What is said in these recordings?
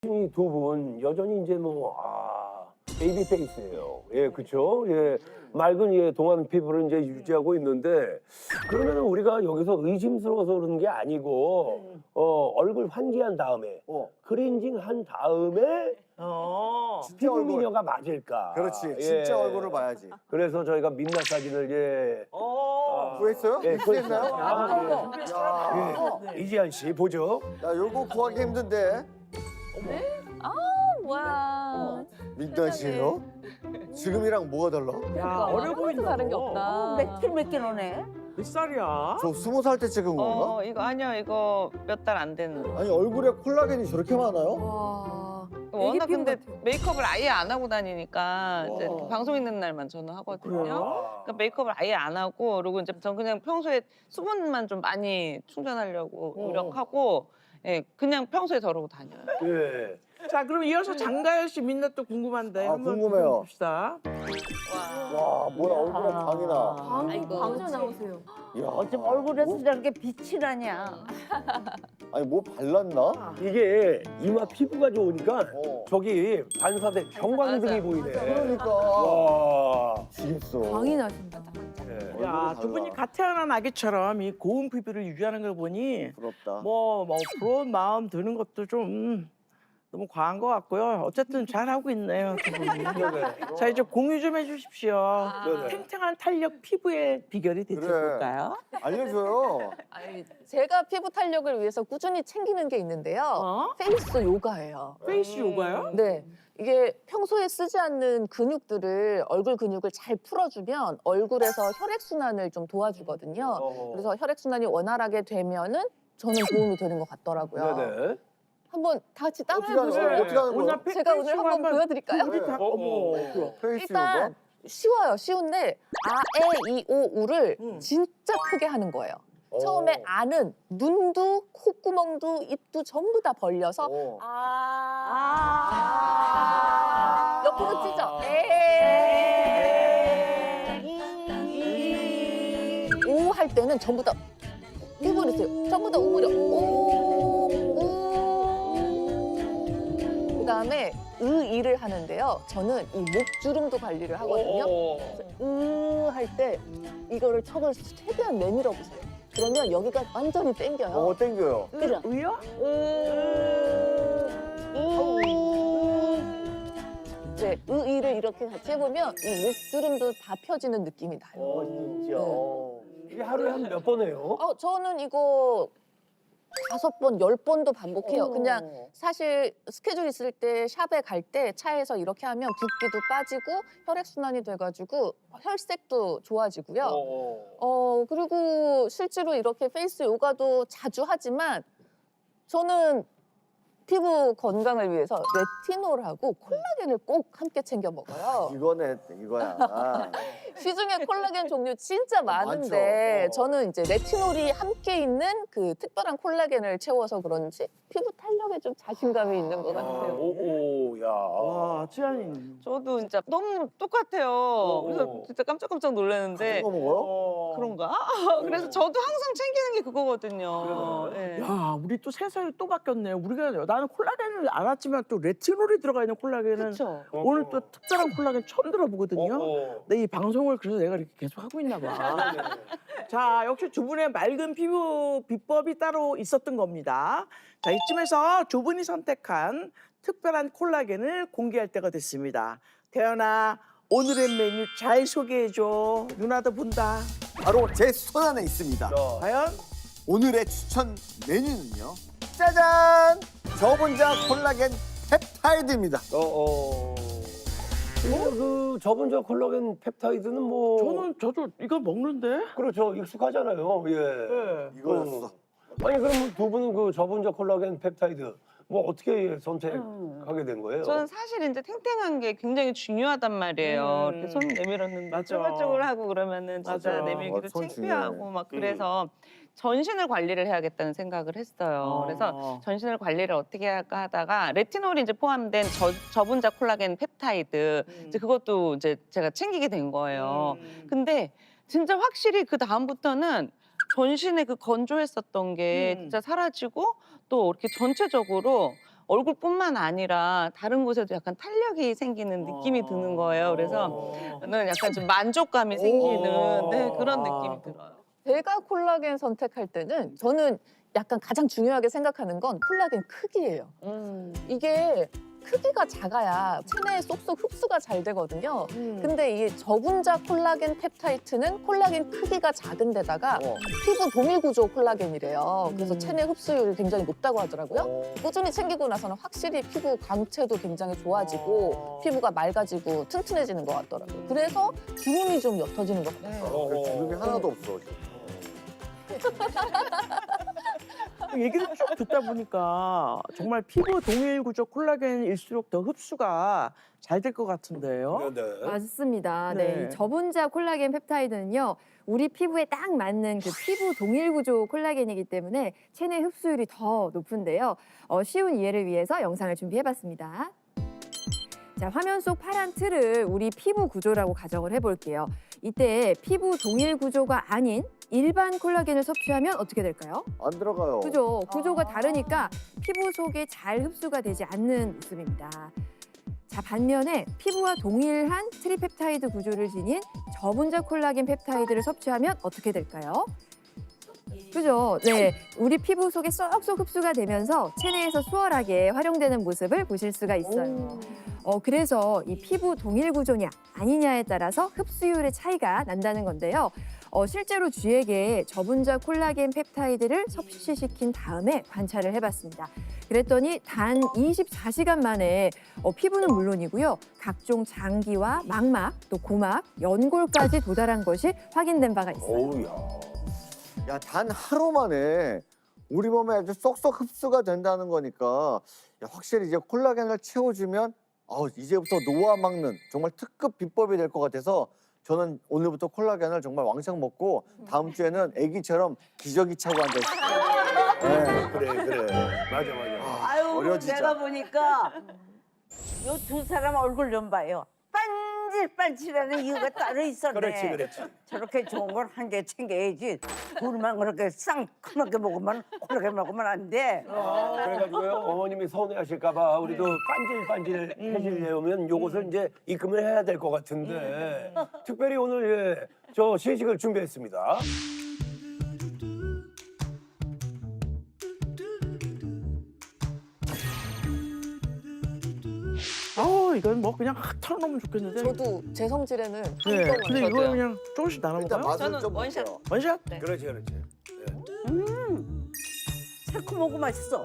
두 분 여전히 이제 베이비 페이스예요. 예, 그렇죠. 예, 맑은 동안 피부를 이제 유지하고 있는데 그러면 우리가 여기서 의심스러워서 그러는 게 아니고 얼굴 환기한 다음에 클렌징 한 다음에 피부 얼굴. 미녀가 맞을까? 그렇지. 예. 진짜 얼굴을 봐야지. 그래서 저희가 민낯 사진을 구했어요? 예, 구했나요? 이지한 씨 보죠. 야, 요거 구하기 힘든데. 뭐야. 민낯이에요? 지금이랑 뭐가 달라? 야, 어려 보인다. 다른 게 없다. 몇 킬로네? 몇 살이야? 저 20살 때 찍은 건가? 이거 아니요, 이거 몇 달 안 된. 아니 얼굴에 콜라겐이 저렇게 많아요? 와. 워낙 근데 메이크업을 아예 안 하고 다니니까 이제 와. 방송 있는 날만 저는 하거든요. 그래요? 그러니까 메이크업을 아예 안 하고 그리고 이제 전 그냥 평소에 수분만 좀 많이 충전하려고 노력하고 예, 그냥 평소에 저러고 다녀요. 예. 자, 그럼 이어서 장가연 씨 민낯도 궁금한데 아, 한번 궁금해요. 봅시다. 와, 뭐야 얼굴에 광이 나. 광주 나오세요. 이야. 어쩜 얼굴에서 저렇게 빛이 나냐? 아니 뭐 발랐나? 이게 이마 피부가 좋으니까 어. 저기 반사된 형광등이 맞아. 보이네. 그러니까. 와. 지겠어. 광이 나신다. 예. 야, 얼굴이 두 분이 달라. 갓 태어난 아기처럼 이 고운 피부를 유지하는 걸 보니 부럽다. 뭐 부러운 마음 드는 것도 좀 너무 과한 것 같고요. 어쨌든 잘하고 있네요, 두 분이. 네네. 자, 이제 공유 좀 해주십시오. 네네. 탱탱한 탄력 피부의 비결이 대체 그래. 뭘까요? 알려줘요. 아니, 제가 피부 탄력을 위해서 꾸준히 챙기는 게 있는데요. 페이스 요가예요. 페이스 요가요? 네. 이게 평소에 쓰지 않는 근육들을 얼굴 근육을 잘 풀어주면 얼굴에서 혈액순환을 좀 도와주거든요. 그래서 혈액순환이 원활하게 되면은 저는 도움이 되는 것 같더라고요. 네네. 한번 다 같이 따라해 어떻게 하는 거예요? 보실래요? 어떻게 하는 거예요? 제가 오늘 한번 보여드릴까요? 우리 다 어머. 페이스 요가? 일단 쉬워요. 쉬운데 아, 에, 이, 오, 우를 진짜 크게 하는 거예요. 처음에 아는 눈도 콧구멍도 입도 전부 다 벌려서 어. 옆으로 찢어. 오 할 때는 전부 다 해버리세요. 전부 다 오므려. 그다음에 이를 하는데요. 저는 이 목주름도 관리를 하거든요. 할 때 이거를 척을 최대한 내밀어 보세요. 그러면 여기가 완전히 당겨요. 땡겨요. 그죠? 의요? 이제 이를 이렇게 같이 해보면 이 목주름도 다 펴지는 느낌이 나요. 진짜. 이게 하루에 한 몇 번 해요? 저는 이거 5번, 10번도 반복해요. 그냥 사실 스케줄 있을 때 샵에 갈 때 차에서 이렇게 하면 붓기도 빠지고 혈액순환이 돼가지고 혈색도 좋아지고요. 그리고 실제로 이렇게 페이스 요가도 자주 하지만 저는 피부 건강을 위해서 레티놀하고 콜라겐을 꼭 함께 챙겨 먹어요. 이거야. 아. 시중에 콜라겐 종류 진짜 많은데 많죠. 저는 이제 레티놀이 함께 있는 그 특별한 콜라겐을 채워서 그런지 피부 탄력에 좀 자신감이 있는 것 같아요. 야. 와, 지안이. 저도 진짜 너무 똑같아요. 그래서 진짜 깜짝깜짝 놀랐는데 이거 먹어요? 그런가? 그래서 저도 항상 챙기는 게 그거거든요. 예. 야, 우리 또 세상이 또 바뀌었네. 우리가 나는 콜라겐을 알았지만 또 레티놀이 들어가 있는 콜라겐은 그렇죠. 오늘 또 특별한 콜라겐 처음 들어보거든요. 어. 근데 이 방송을 그래서 내가 이렇게 계속 하고 있나 봐. 자, 역시 두 분의 맑은 피부 비법이 따로 있었던 겁니다. 자, 이쯤에서 두 분이 선택한 특별한 콜라겐을 공개할 때가 됐습니다. 태연아, 오늘의 메뉴 잘 소개해줘. 누나도 본다. 바로 제 손 안에 있습니다. 과연? 오늘의 추천 메뉴는요. 짜잔! 저분자 콜라겐 펩타이드입니다. 그 저번 저 콜라겐 펩타이드는 뭐 저도 이거 먹는데? 그렇죠. 익숙하잖아요. 예. 네. 이거였어. 아니 그럼 두 분은 그 저번 저 콜라겐 펩타이드 뭐 어떻게 선택하게 된 거예요? 저는 사실 이제 탱탱한 게 굉장히 중요하단 말이에요. 이렇게 손 내밀었는데 맞아. 쪼글쪼글하고 그러면은 진짜 맞아. 내밀기도 손 창피하고 중요해. 막 그래서 전신을 관리를 해야겠다는 생각을 했어요. 그래서 전신을 관리를 어떻게 할까 하다가 레티놀이 이제 포함된 저분자 콜라겐 펩타이드 이제 그것도 이제 제가 챙기게 된 거예요. 근데 진짜 확실히 그 다음부터는 전신에 그 건조했었던 게 진짜 사라지고 또 이렇게 전체적으로 얼굴뿐만 아니라 다른 곳에도 약간 탄력이 생기는 느낌이 드는 거예요. 그래서 저는 약간 좀 만족감이 생기는 네, 그런 느낌이 들어요. 제가 콜라겐 선택할 때는 저는 약간 가장 중요하게 생각하는 건 콜라겐 크기예요. 이게 크기가 작아야 체내에 쏙쏙 흡수가 잘 되거든요. 근데 이 저분자 콜라겐 펩타이드는 콜라겐 크기가 작은 데다가 피부 동일 구조 콜라겐이래요. 그래서 체내 흡수율이 굉장히 높다고 하더라고요. 꾸준히 챙기고 나서는 확실히 피부 광채도 굉장히 좋아지고 피부가 맑아지고 튼튼해지는 것 같더라고요. 그래서 주름이 좀 옅어지는 것 같아요. 주름이 하나도 없어. 얘기를 쭉 듣다 보니까 정말 피부 동일 구조 콜라겐일수록 더 흡수가 잘 될 것 같은데요. 네. 맞습니다. 네. 네. 이 저분자 콜라겐 펩타이드는요, 우리 피부에 딱 맞는 그 피부 동일 구조 콜라겐이기 때문에 체내 흡수율이 더 높은데요. 쉬운 이해를 위해서 영상을 준비해봤습니다. 자, 화면 속 파란 틀을 우리 피부 구조라고 가정을 해볼게요. 이때 피부 동일 구조가 아닌 일반 콜라겐을 섭취하면 어떻게 될까요? 안 들어가요. 그죠? 구조가 다르니까 피부 속에 잘 흡수가 되지 않는 모습입니다. 자, 반면에 피부와 동일한 트리펩타이드 구조를 지닌 저분자 콜라겐 펩타이드를 섭취하면 어떻게 될까요? 그죠? 네, 우리 피부 속에 쏙쏙 흡수가 되면서 체내에서 수월하게 활용되는 모습을 보실 수가 있어요. 그래서 이 피부 동일 구조냐 아니냐에 따라서 흡수율의 차이가 난다는 건데요. 실제로 쥐에게 저분자 콜라겐 펩타이드를 섭취시킨 다음에 관찰을 해봤습니다. 그랬더니 단 24시간 만에 피부는 물론이고요. 각종 장기와 망막, 또 고막, 연골까지 도달한 것이 확인된 바가 있어요. 어우야. 야, 단 하루 만에 우리 몸에 아주 쏙쏙 흡수가 된다는 거니까 야, 확실히 이제 콜라겐을 채워주면 이제부터 노화 막는 정말 특급 비법이 될 것 같아서 저는 오늘부터 콜라겐을 정말 왕창 먹고 다음 주에는 아기처럼 기저귀 차고 앉아있어요. 네. 그래. 맞아. 아유, 어려지죠. 내가 보니까 요 두 사람 얼굴 좀 봐요. 반질반질하는 이유가 따로 있었네. 그렇지. 저렇게 좋은 걸 한 개 챙겨야지. 둘만 그렇게 쌍큼하게 먹으면 콜라겐 먹으면 안 돼. 그래가지고요, 어머님이 서운해하실까봐 우리도 반질반질해지려면 요것을 이제 입금을 해야 될 것 같은데 특별히 오늘 저 시식을 준비했습니다. 이건 뭐 그냥 확 털어놓으면 좋겠는데. 저도 제 성질에는 한 네, 번만 근데 이거 저도요. 그냥 조금씩 나눠 일단 먹어요. 맛을 저는 좀 원샷. 볼게요. 원샷? 네. 그렇지. 새콤하고 맛있어.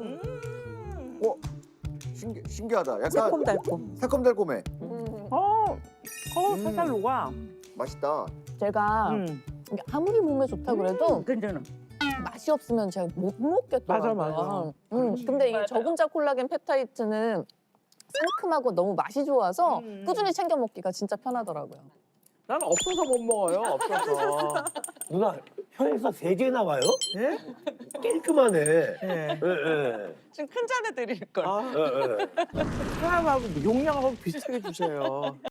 신기하다. 약간 새콤달콤. 새콤달콤해. 살살 녹아. 맛있다. 제가 이게 아무리 몸에 좋다 그래도 괜찮아. 맛이 없으면 제가 못 먹겠더라고요. 맞아. 근데 이 저분자 콜라겐 펩타이드는 상큼하고 너무 맛이 좋아서 꾸준히 챙겨 먹기가 진짜 편하더라고요. 난 없어서 못 먹어요. 없어서. 누나 혀에서 세제 나와요? 예? 깔끔하네. 예. 좀 큰 잔에 드릴 걸. 사람하고 용량하고 비슷하게 주세요.